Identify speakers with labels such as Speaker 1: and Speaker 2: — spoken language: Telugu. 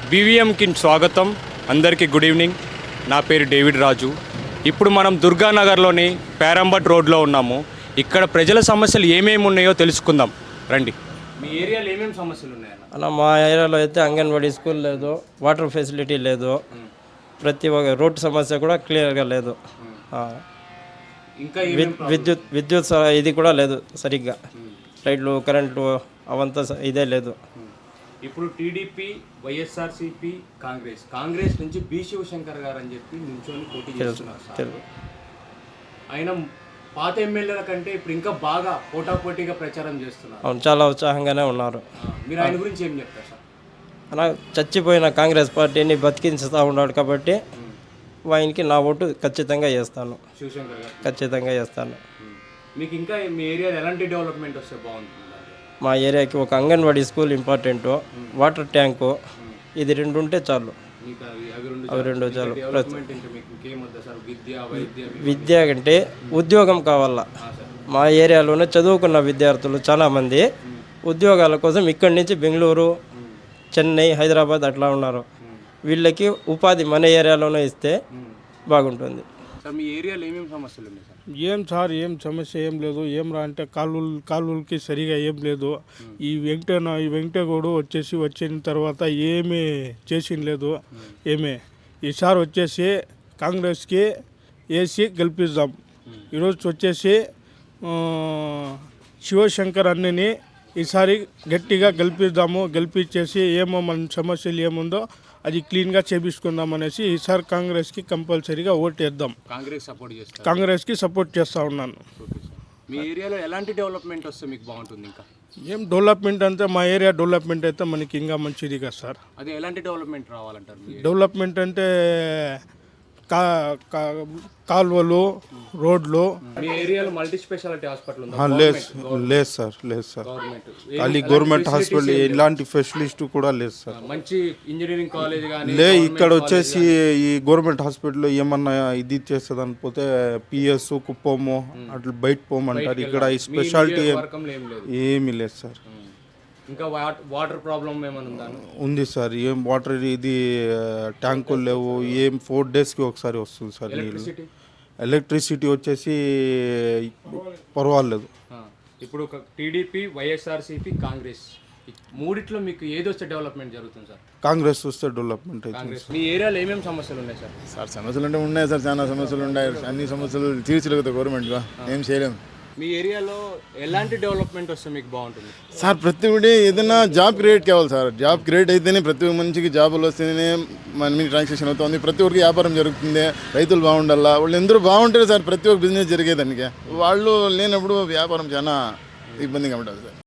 Speaker 1: బీవీఎంకి స్వాగతం. అందరికీ గుడ్ ఈవినింగ్. నా పేరు డేవిడ్ రాజు. ఇప్పుడు మనం దుర్గానగర్లోని పేరంబట్ రోడ్లో ఉన్నాము. ఇక్కడ ప్రజల సమస్యలు ఏమేమి ఉన్నాయో తెలుసుకుందాం రండి. మీ ఏరియాలో ఏమేమి సమస్యలు ఉన్నాయన్న?
Speaker 2: అలా మా ఏరియాలో అయితే అంగన్వాడీ స్కూల్ లేదు, వాటర్ ఫెసిలిటీ లేదు, ప్రతి ఒక్క రోడ్డు సమస్య కూడా క్లియర్గా లేదు.
Speaker 1: ఇంకా
Speaker 2: విద్యుత్ ఇది కూడా లేదు సరిగ్గా, లైట్లు కరెంట్లు అవంతా ఇదే లేదు.
Speaker 1: ఇప్పుడు టీడీపీ, వైఎస్ఆర్సీపీ, కాంగ్రెస్ నుంచి బి శివశంకర్ గారు అని చెప్పి నించొని పోటీ చేస్తున్నారు. ఆయన పాత ఎమ్మెల్యేల కంటే ఇప్పుడు ఇంకా బాగా పోటాపోటీగా ప్రచారం చేస్తున్నారు.
Speaker 2: అవును, చాలా ఉత్సాహంగానే ఉన్నారు.
Speaker 1: మీరు ఆయన గురించి ఏం చెప్తారు సార్?
Speaker 2: అలా చచ్చిపోయిన కాంగ్రెస్ పార్టీని బతికించుతూ ఉన్నాడు కాబట్టి ఆయనకి నా ఓటు ఖచ్చితంగా వేస్తాను.
Speaker 1: శివశంకర్ గారు
Speaker 2: ఖచ్చితంగా వేస్తాను.
Speaker 1: మీకు ఇంకా మీ ఏరియాలో ఎలాంటి డెవలప్మెంట్ వస్తే బాగుంటుంది?
Speaker 2: మా ఏరియాకి ఒక anganwadi school important, water tank, ఇది రెండు ఉంటే చాలు. అవి రెండు చాలు. విద్య అంటే ఉద్యోగం కావాలా. మా ఏరియాలోనే చదువుకున్న విద్యార్థులు చాలామంది ఉద్యోగాల కోసం ఇక్కడి నుంచి బెంగళూరు, చెన్నై, హైదరాబాద్ అట్లా ఉన్నారు. వీళ్ళకి ఉపాధి మన ఏరియాలోనే ఇస్తే బాగుంటుంది.
Speaker 1: మీ ఏరియాలో ఏమేమి సమస్యలు ఉన్నాయి
Speaker 3: సార్? ఏం సమస్య ఏం లేదు. ఏం రా అంటే కాలువలకి సరిగా ఏం లేదు. ఈ వెంకటగౌడు వచ్చిన తర్వాత ఏమీ చేసిన లేదు. ఈసారి వచ్చేసి కాంగ్రెస్కి వేసి గెలిపిద్దాం. ఈరోజు వచ్చేసి శివశంకర్ అన్నని ఈసారి గట్టిగా గెలిపించేసి ఏమో మన సమస్యలు ఏముందో అది క్లీన్గా చేపించుకుందాం అనేసి ఈసారి కాంగ్రెస్కి కంపల్సరీగా ఓటేద్దాం. కాంగ్రెస్కి సపోర్ట్ చేస్తూ ఉన్నాను.
Speaker 1: మీ ఏరియాలో ఎలాంటి డెవలప్మెంట్ వస్తే మీకు బాగుంటుంది? ఇంకా
Speaker 3: ఏం డెవలప్మెంట్ అంటే మా ఏరియా డెవలప్మెంట్ అయితే మనకి ఇంకా మంచిది కదా సార్.
Speaker 1: అదే ఎలాంటి డెవలప్మెంట్ రావాలంటారు?
Speaker 3: డెవలప్మెంట్ అంటే కాలువలు, రోడ్లు.
Speaker 1: మీ ఏరియాలో మల్టీ స్పెషాలిటీ హాస్పిటల్ ఉందా?
Speaker 4: లేదు సార్. ఖాళీ గవర్నమెంట్ హాస్పిటల్, ఇలాంటి ఫెసిలిస్ట్ కూడా లేదు సార్.
Speaker 1: మంచి ఇంజనీరింగ్ కాలేజ్ కానీ
Speaker 4: ఇక్కడ వచ్చేసి ఈ గవర్నమెంట్ హాస్పిటల్లో ఏమన్నా ఇది చేస్తుందని పోతే పిఎస్ కుప్పము అట్లా బయట పోమంటారు. ఇక్కడ ఈ స్పెషాలిటీ ఏమీ లేదు సార్.
Speaker 1: ఇంకా వాటర్ ప్రాబ్లం ఏమైనా ఉందా?
Speaker 4: ఉంది సార్. ఏం వాటర్ ఇది ట్యాంకులు లేవు. ఏం 4 డేస్కి ఒకసారి వస్తుంది సార్ నీళ్ళు. ఎలక్ట్రిసిటీ వచ్చేసి పర్వాలేదు.
Speaker 1: ఇప్పుడు టీడీపీ, వైఎస్ఆర్సీపీ, కాంగ్రెస్ మూడిట్లో మీకు ఏది వస్తే డెవలప్మెంట్ జరుగుతుంది సార్?
Speaker 4: కాంగ్రెస్ వస్తే డెవలప్మెంట్ అవుతుంది.
Speaker 1: మీ ఏరియాలో ఏమేమి సమస్యలు ఉన్నాయి సార్?
Speaker 5: సమస్యలు అంటే ఉన్నాయి సార్, చాలా సమస్యలు ఉన్నాయి. అన్ని సమస్యలు తీర్చలేదు గవర్నమెంట్గా, ఏం చేయలేము.
Speaker 1: మీ ఏరియాలో ఎలాంటి డెవలప్మెంట్ వస్తే మీకు బాగుంటుంది
Speaker 5: సార్? ప్రతి ఒక్కటి ఏదైనా జాబ్ క్రియేట్ కావాలి సార్. జాబ్ క్రియేట్ అయితేనే ప్రతి ఒక్క మనిషికి జాబులు వస్తేనే మనీ ట్రాన్సాక్షన్ అవుతుంది, ప్రతి ఒక్కరికి వ్యాపారం జరుగుతుంది, రైతులు బాగుండాలా. వాళ్ళు ఎందరూ బాగుంటారు సార్, ప్రతి ఒక్క బిజినెస్ జరిగేదానికి. వాళ్ళు లేనప్పుడు వ్యాపారం చాలా ఇబ్బందిగా ఉంటుంది సార్.